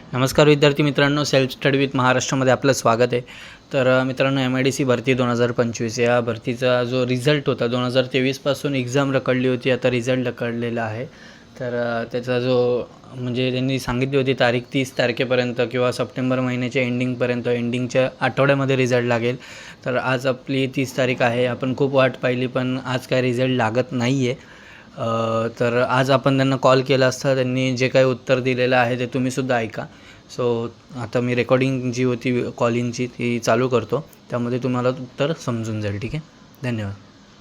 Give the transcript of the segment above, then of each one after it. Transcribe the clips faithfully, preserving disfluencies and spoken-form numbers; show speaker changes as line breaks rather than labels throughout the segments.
नमस्कार विद्यार्थी मित्रांनो, सेल्फ स्टडी विथ महाराष्ट्रामध्ये आपलं स्वागत आहे। तर मित्रांनो, एम आय डी सी भरती दोन हजार पंचवीस या भरतीचा जो रिझल्ट होता दोन हजार तेवीसपासून एक्झाम रखडली होती, आता रिझल्ट रखडलेला आहे। तर त्याचा जो म्हणजे त्यांनी सांगितली होती तारीख तीस तारखेपर्यंत किंवा सप्टेंबर महिन्याच्या एंडिंगपर्यंत एंडिंगच्या आठवड्यामध्ये रिझल्ट लागेल। तर आज आपली तीस तारीख आहे, आपण खूप वाट पाहिली पण आज काय रिझल्ट लागत नाही आहे। तर आज आपण त्यांना कॉल केला असता, त्यांनी जे काही उत्तर दिलेलं आहे ते तुम्हीसुद्धा ऐका। सो आता मी रेकॉर्डिंग जी होती कॉलिंगची ती चालू करतो, त्यामध्ये तुम्हाला उत्तर समजून जाईल। ठीक आहे, धन्यवाद।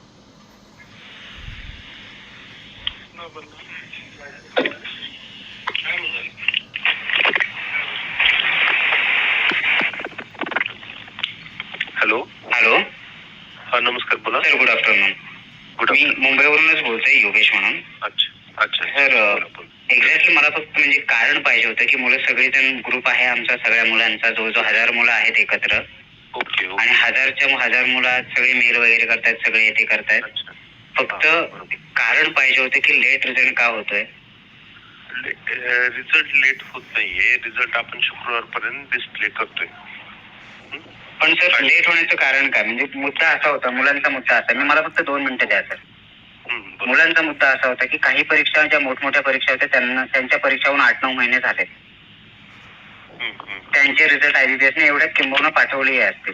हॅलो
हॅलो
हा नमस्कार, बोला
सर। Good afternoon.
गुड
मी मुंबईवरूनच बोलतोय, योगेश म्हणून।
अच्छा अच्छा
सर, एक्झॅक्टली मला फक्त म्हणजे कारण पाहिजे होतं की मुलं सगळेजण ग्रुप आहे आमचा, सगळ्या मुलांचा जवळजवळ हजार मुलं आहेत एकत्र।
ओके
आणि हजारच्या हजार मुलं सगळे मेल वगैरे करतायत, सगळे येते करतायत। फक्त कारण पाहिजे होतं की लेट रिझल्ट का होतोय।
रिझल्ट लेट होत नाहीये, रिझल्ट आपण शुक्रवार पर्यंत डिस्प्ले करतोय।
पण सर, लेट होण्याचं कारण काय? म्हणजे मुद्दा असा होता, मुलांचा मुद्दा असा, मी मला फक्त दोन मिनिटं द्या सर। मुलांचा मुद्दा असा होता की काही परीक्षा ज्या मोठमोठ्या परीक्षा होत्या त्यांना त्यांच्या परीक्षाहून आठ नऊ महिने झाले, त्यांचे रिझल्ट आयबीपीएसने एवढ्या किंबहुना पाठवले असतील।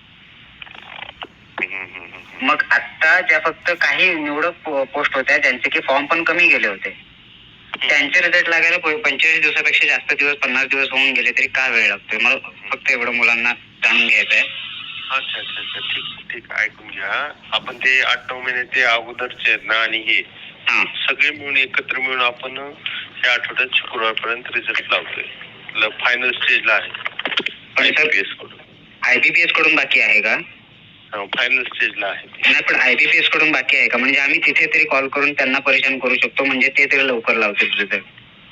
मग आता ज्या फक्त काही निवडक पोस्ट होत्या ज्यांचे की फॉर्म पण कमी गेले होते, त्यांचे रिझल्ट लागायला पंचेचाळीस दिवसापेक्षा जास्त दिवस, पन्नास दिवस होऊन गेले तरी का वेळ लागतोय? मला फक्त एवढं मुलांना जाणून घ्यायचं आहे।
अच्छा अच्छा अच्छा ठीक ठीक ऐकून घ्या। आपण ते आठ नऊ महिने ते अगोदरचे आहेत ना, आणि हे सगळे मिळून एकत्र मिळून आपण या आठवड्यात शुक्रवार पर्यंत रिझल्ट लावतोय, फायनल स्टेजला आहे। आयबीपीएस कडून
आयबीपीएस कडून बाकी आहे का?
फायनल स्टेजला आहे।
नाही, पण आयबीपीएस कडून बाकी आहे का? म्हणजे आम्ही तिथे तरी कॉल करून त्यांना परेशान करू शकतो, म्हणजे ते तरी लवकर लावतील रिझल्ट।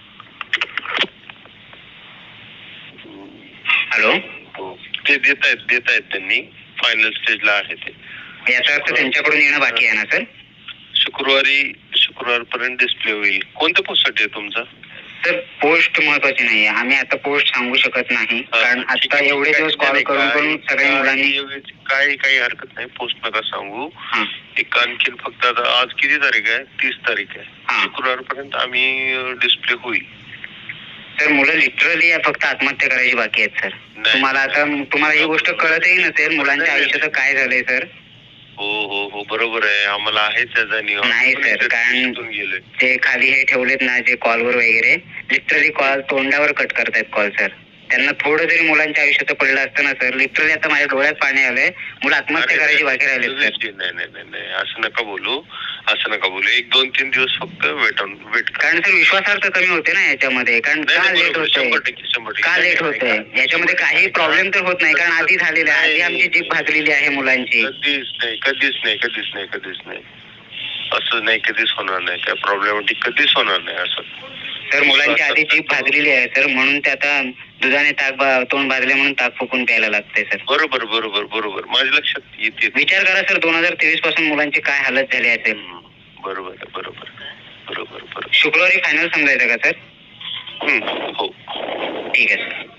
हॅलो,
ते देत आहेत देत आहेत त्यांनी, फायनल स्टेजला आहे ते।
याचा अर्थ त्यांच्याकडून येणं बाकी आहे ना सर?
शुक्रवारी शुक्रवार पर्यंत डिस्प्ले होईल। कोणत्या पोस्टसाठी आहे तुमचा?
सर, पोस्ट महत्वाची नाही आहे, आम्ही आता पोस्ट सांगू शकत नाही, कारण आता एवढे दिवस कॉल करून करून सगळ्या मुलांनी
काही काही हरकत नाही, पोस्ट नका सांगू। एक आणखी फक्त आता आज किती तारीख आहे? तीस तारीख आहे। शुक्रवार पर्यंत आम्ही डिस्प्ले होईल।
सर, मुलं लिटरली फक्त आत्महत्या करायची बाकी आहेत सर। तुम्हाला आता तुम्हाला ही गोष्ट कळतही नसेल मुलांच्या आयुष्याचं काय झालंय सर।
हो हो हो बरोबर आहे, आम्हाला आहे त्या जाणीव।
नाही सर, कारण ते खाली हे ठेवलेत ना जे कॉलवर वगैरे, लिटरली कॉल तोंडावर कट करतायत कॉल सर। त्यांना थोडं जरी मुलांच्या आयुष्याचं पडलं असतं ना सर, लिटरली आता माझ्या डोळ्यात पाणी आलंय, मुलं आत्महत्या करायची बाकी राहिले सर।
नाही नाही नाही नाही असं नका बोलू, असं नका बोलू। एक दोन तीन दिवस फक्त वेट ऑन वेट,
कारण सर विश्वासार्थ कमी होते ना याच्यामध्ये। कारण का लेट होतंय का लेट होतंय याच्यामध्ये काही प्रॉब्लेम तर होत नाही, कारण आधी झालेला आहे, आधी आमची जीभ भाजलेली आहे मुलांची।
कधीच नाही कधीच नाही कधीच नाही कधीच नाही असं नाही, कधीच होणार नाही, काय प्रॉब्लेमॅटिक कधीच होणार नाही असं।
तर मुलांची आधी जीभ भाजलेली आहे सर, म्हणून ते आता दुधाने ताक तोंड भाजले म्हणून ताक फुकून प्यायला लागते सर।
बरोबर बरोबर बरोबर, माझ्या लक्षात येते।
विचार करा सर, दोन हजार तेवीस पासून मुलांची काय हालत झाली असेल।
बरोबर बरोबर बरोबर बरोबर।
शुक्रवारी फायनल समजायचं का सर?
हो
ठीक आहे सर।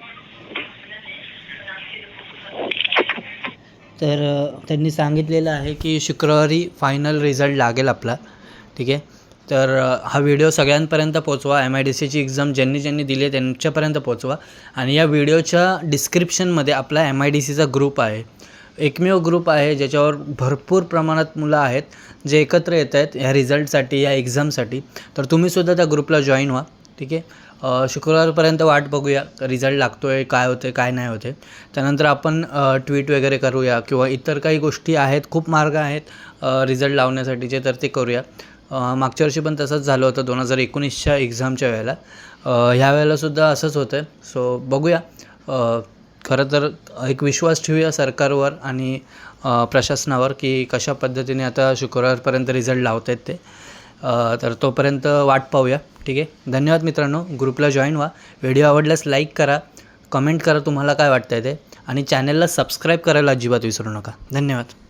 तर त्यांनी सांगितलेलं आहे की शुक्रवारी फायनल रिझल्ट लागेल आपला। ठीक आहे, तर हा व्हिडिओ सगळ्यांपर्यंत पोचवा, एम आय डी सीची एक्झाम ज्यांनी ज्यांनी दिली आहे त्यांच्यापर्यंत पोचवा। आणि या व्हिडिओच्या डिस्क्रिप्शनमध्ये आपला एम आय डी सीचा ग्रुप आहे, एकमेव ग्रुप आहे ज्याच्यावर भरपूर प्रमाणात मुलं आहेत जे एकत्र येत आहेत ह्या रिझल्टसाठी, या एक्झामसाठी। तर तुम्हीसुद्धा त्या ग्रुपला जॉईन व्हा। ठीक आहे, शुक्रवारपर्यंत वाट बघूया रिझल्ट लागतो आहे, काय होतं आहे काय नाही होते। त्यानंतर आपण ट्विट वगैरे करूया किंवा इतर काही गोष्टी आहेत, खूप मार्ग आहेत रिझल्ट लावण्यासाठीचे, तर ते करूया। मागच्या वर्षी पण तसंच झालं होतं दोन हजार एकोणीसच्या एक्झामच्या वेळेला, ह्या वेळेलासुद्धा असंच होतं आहे। सो बघूया, खरं तर एक विश्वास ठेवूया सरकारवर आणि प्रशासनावर की कशा पद्धतीने आता शुक्रवारपर्यंत रिझल्ट लावत आहेत ते। तर तोपर्यंत वाट पाहूया। ठीक आहे, धन्यवाद मित्रांनो, ग्रुपला जॉईन व्हा। व्हिडिओ आवडल्यास लाईक करा, कमेंट करा तुम्हाला काय वाटतं आहे ते, आणि चॅनलला सबस्क्राईब करायला अजिबात विसरू नका। धन्यवाद।